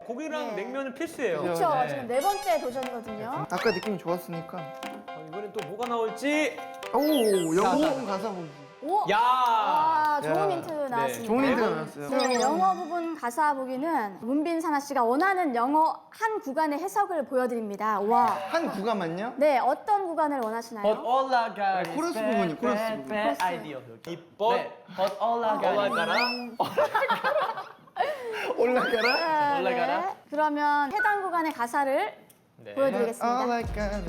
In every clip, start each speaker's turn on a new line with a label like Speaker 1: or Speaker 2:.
Speaker 1: 고기랑
Speaker 2: 네.
Speaker 1: 냉면은 필수예요.
Speaker 2: 그렇죠.
Speaker 1: 네.
Speaker 2: 지금 네 번째 도전이거든요.
Speaker 3: 아까 느낌이 좋았으니까.
Speaker 1: 이번엔 또 뭐가 나올지.
Speaker 3: 오, 영어
Speaker 1: 자,
Speaker 3: 부분 가사 보기.
Speaker 2: 오!
Speaker 1: 야!
Speaker 2: 아, 좋은
Speaker 3: 야.
Speaker 2: 힌트 나왔습니다.
Speaker 3: 좋은 힌트가 나왔어요.
Speaker 2: 네, 영어 부분 가사 보기는 문빈 사나 씨가 원하는 영어 한 구간의 해석을 보여드립니다. 와.
Speaker 3: 한 구간만요?
Speaker 2: 네, 어떤 구간을 원하시나요?
Speaker 4: But all I got is
Speaker 3: 코러스
Speaker 4: bad,
Speaker 3: 부분이요, 코러스
Speaker 4: bad,
Speaker 3: 부분.
Speaker 4: bad idea.
Speaker 1: 이뻤.
Speaker 4: 네. But all I got is
Speaker 1: 올라가라.
Speaker 3: 올라가라?
Speaker 4: 올라가라?
Speaker 2: 네. 그러면 해당 구간의 가사를
Speaker 1: 네.
Speaker 2: 보여드리겠습니다.
Speaker 3: All I got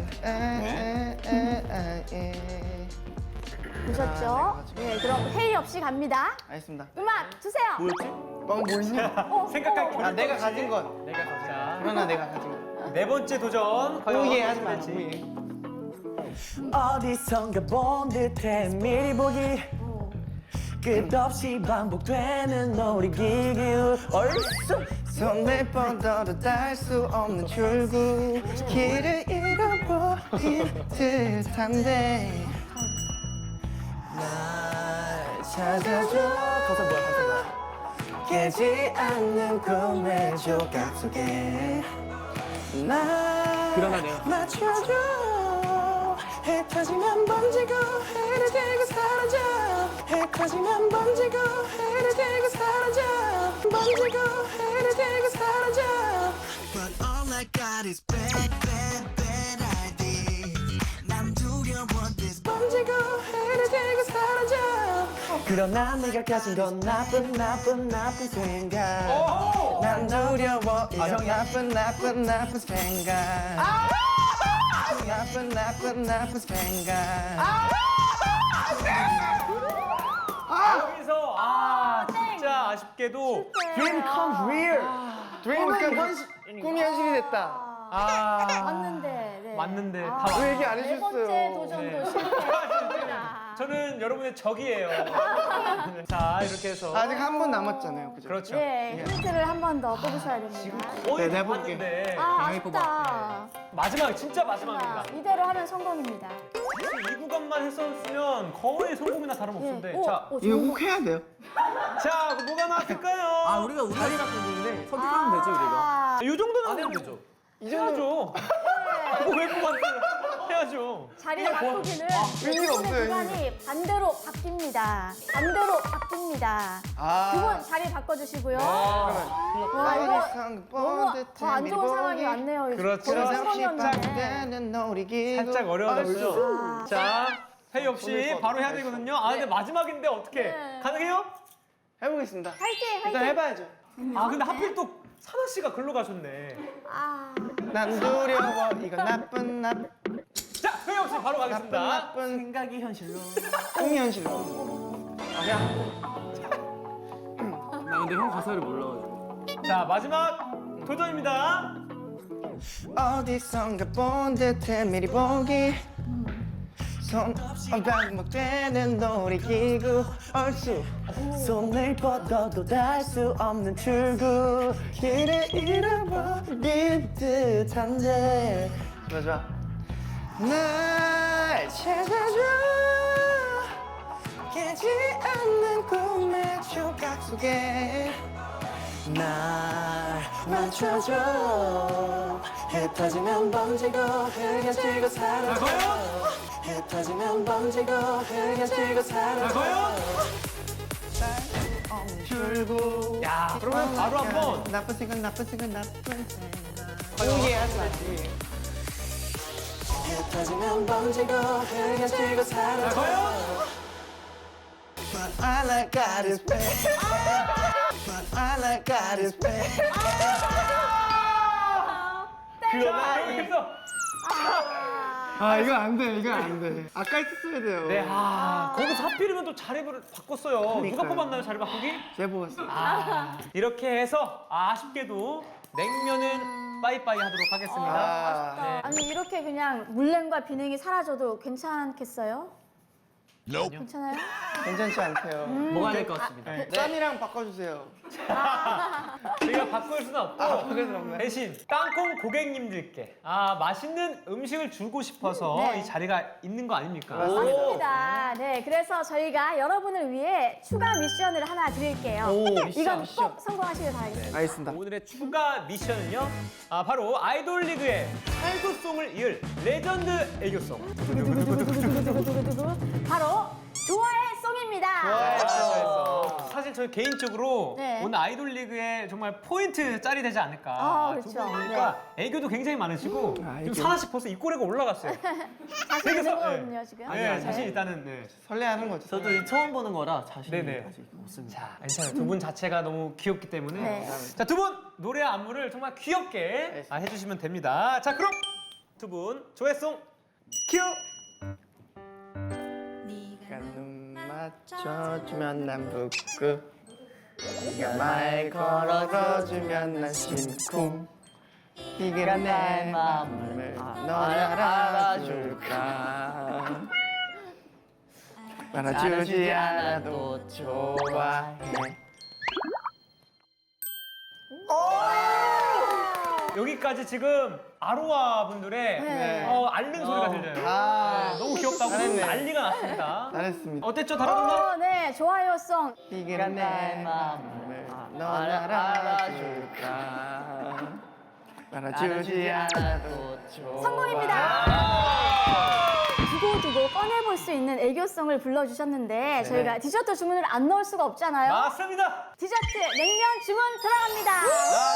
Speaker 3: is
Speaker 2: 보셨죠? 네, 그럼 회의 없이 갑니다.
Speaker 3: 알겠습니다.
Speaker 2: 음악 주세요.
Speaker 1: 뭐였지?
Speaker 3: 뭐 있냐?
Speaker 1: 생각할
Speaker 3: 아, 내가 가진 건.
Speaker 1: 내가 가진. 자,
Speaker 3: 그러나 내가 가진 건.
Speaker 1: 네 번째 도전. 과연
Speaker 3: 우예
Speaker 1: 어떻게
Speaker 3: 하지 마.
Speaker 1: 될지.
Speaker 3: 우예.
Speaker 4: 어디선가 본 듯해 미리 보기 끝없이 반복되는 놀이기구 얼쑤
Speaker 3: 손을 뻗어도 닿을 수 없는 출구 길을 잃어버린 듯한데 날 찾아줘
Speaker 4: 가사 뭐야
Speaker 3: 깨지 않는 꿈의 조각 속에 날
Speaker 4: 그러나 내가
Speaker 3: 맞춰줘 해 터지면 번지고 해를 들고 사라져 해 터지면 번지고 해를 들고 사라져 번지고 해를 들고 사라져
Speaker 5: But all I got is bad, bad, bad ideas. 난 두려워 this
Speaker 3: 번지고 해를 들고 사라져
Speaker 4: 그러나 내가 가진 건 나쁜 생각
Speaker 3: 난 두려워 이런
Speaker 4: 형이야.
Speaker 3: 나쁜 생각 나쁜 생각
Speaker 1: 여기서 진짜 아쉽게도
Speaker 3: Dream comes real 꿈이 현실이 됐다
Speaker 2: 맞는데. 네.
Speaker 1: 맞는데
Speaker 2: 아,
Speaker 1: 다
Speaker 3: 왜 얘기 안
Speaker 2: 네 번째
Speaker 3: 해주셨어요?
Speaker 2: 도전도 실패했습니다.
Speaker 1: 저는 여러분의 적이에요. 자, 이렇게 해서
Speaker 3: 아직 한 분 남았잖아요 그죠?
Speaker 1: 그렇죠.
Speaker 2: 네, 힌트를 한 번 더 뽑으셔야 됩니다.
Speaker 1: 거의
Speaker 3: 네,
Speaker 1: 다
Speaker 3: 내볼게.
Speaker 1: 봤는데
Speaker 2: 아, 아쉽다.
Speaker 1: 마지막 진짜 마지막입니다.
Speaker 2: 이대로 하면 성공입니다.
Speaker 1: 이 구간만 했었으면 거의 성공이나 다름없는데.
Speaker 2: 네. 오,
Speaker 1: 자,
Speaker 2: 오,
Speaker 3: 이거
Speaker 2: 좋은
Speaker 3: 꼭 해야 돼요
Speaker 1: 자, 뭐가 나왔을까요?
Speaker 4: 아 우리가 우다리 갖고 있는데 선택하면 되죠 우리가
Speaker 1: 이 정도는
Speaker 4: 안 해도 되죠
Speaker 1: 이 정도. 그거 왜 뽑았어요? 해야죠.
Speaker 2: 자리를 바꾸기는
Speaker 3: 의미가
Speaker 2: 두
Speaker 3: 없어요,
Speaker 2: 구간이 반대로 바뀝니다. 반대로 바뀝니다. 두 분 자리 바꿔주시고요. 와, 이거 너무 더 안 좋은 상황이 왔네요. 이거
Speaker 1: 그렇죠.
Speaker 2: 거의
Speaker 3: 없이
Speaker 2: 성공이었는데.
Speaker 3: 반대는 놀이기구
Speaker 1: 살짝 어려워졌죠. 자, 회의 없이
Speaker 3: 손을
Speaker 1: 바로 해야
Speaker 3: 뻗어.
Speaker 1: 되거든요. 아, 근데 마지막인데 어떻게
Speaker 2: 네.
Speaker 1: 가능해요?
Speaker 3: 해보겠습니다
Speaker 2: 화이팅!
Speaker 3: 일단
Speaker 2: 화이팅!
Speaker 3: 해봐야죠
Speaker 1: 아, 근데 하필 또 사나 씨가 글로 가셨네.
Speaker 2: 아,
Speaker 3: 난 두려워 이거 나쁜
Speaker 1: 자, 회의 없이 바로 가겠습니다.
Speaker 3: 나쁜
Speaker 4: 생각이 현실로
Speaker 3: 꿈이 현실로
Speaker 4: 나 근데 형 가사를 몰라가지고
Speaker 1: 자, 마지막 도전입니다.
Speaker 3: 어디선가 본 듯해 미리 보기 손 반복되는 놀이기구 얼쑤
Speaker 4: 손을 뻗어도 닿을 수 없는 출구
Speaker 3: 길을 잃어버린 듯한데 좋아 좋아 날 찾아줘 깨지 않는 꿈의 조각 속에
Speaker 4: 날
Speaker 3: 맞춰줘 흩어지면 번지고 흐려지고 사라져 흩어지면 번지고 흐려지고 사라져 줄고
Speaker 1: 야, 그러면 바로 한번
Speaker 3: 나쁜 생각 나쁜 생각 나쁜 생각 오예 하지 마 흩어지면 번지고 흐려지고 사라져 But all I got is bad But all I got is bad
Speaker 1: 자, 여기서
Speaker 3: 아 이거 안돼 이거 안돼 아까 했었어야 돼요
Speaker 1: 네, 거기서 하필이면 또 자리를 바꿨어요. 누가
Speaker 3: 그러니까요.
Speaker 1: 뽑았나요, 자리 바꾸기?
Speaker 3: 제가 뽑았어요
Speaker 1: 이렇게 해서 아쉽게도 냉면은 빠이빠이 하도록 하겠습니다.
Speaker 3: 아,
Speaker 1: 네.
Speaker 2: 아니 이렇게 그냥 물냉과 비냉이 사라져도 괜찮겠어요? 괜찮아요?
Speaker 3: 괜찮지 않대요.
Speaker 1: 먹어야 될 것 같습니다.
Speaker 3: 짠이랑 바꿔주세요.
Speaker 1: 저희가 바꿀 수는 없고
Speaker 3: 바꿀 수는 없네.
Speaker 1: 대신 땅콩 고객님들께 맛있는 음식을 주고 싶어서
Speaker 2: 네.
Speaker 1: 이 자리가 있는 거 아닙니까?
Speaker 2: 맞습니다. 네, 그래서 저희가 여러분을 위해 추가 미션을 하나 드릴게요. 이건 꼭 성공하시길 바라겠습니다.
Speaker 3: 알겠습니다.
Speaker 1: 오늘의 추가 미션은요. 바로 아이돌 리그의 활구송을 이을 레전드 애교송.
Speaker 2: 바로 좋아해 송입니다.
Speaker 1: 사실 저희 개인적으로
Speaker 2: 네.
Speaker 1: 오늘 아이돌 리그에 정말 포인트 짤이 되지 않을까.
Speaker 2: 그렇죠.
Speaker 1: 두 분 보니까 애교도 굉장히 많으시고
Speaker 3: 애교.
Speaker 1: 지금 하나씩 벌써 입꼬리가 올라갔어요.
Speaker 2: 자신 있는
Speaker 1: 되게
Speaker 2: 거거든요, 지금.
Speaker 1: 네, 자신 있다는. 네.
Speaker 3: 설레하는 거죠.
Speaker 4: 저도 이 처음 보는 거라 자신이
Speaker 1: 네네.
Speaker 4: 아직 없습니다.
Speaker 1: 자, 괜찮아요. 두 분 자체가 너무 귀엽기 때문에.
Speaker 2: 네.
Speaker 1: 자, 두 분 노래 안무를 정말 귀엽게 해주시면 됩니다. 자, 그럼 두 분 조회송 큐.
Speaker 3: 눈 맞춰주면 난 북극 네가 말 걸어주면 난 심쿵 네가 내 마음을 넌 알아줄까 알아주지 않아도 좋아해
Speaker 1: 여기까지 지금 아로하 분들의
Speaker 2: 네.
Speaker 1: 앓는 소리가 들려요. 네, 너무 귀엽다고
Speaker 3: 잘했네.
Speaker 1: 난리가 났습니다.
Speaker 3: 잘했습니다
Speaker 1: 어땠죠, 다른
Speaker 2: 네, 좋아요송.
Speaker 3: 네가 내 마음을 넌 알아줄까 알아주지 않아도 좋아
Speaker 2: 성공입니다. 두고두고 꺼내볼 수 있는 애교송을 불러주셨는데 저희가 디저트 주문을 안 넣을 수가 없잖아요.
Speaker 1: 맞습니다.
Speaker 2: 디저트 냉면 주문 들어갑니다.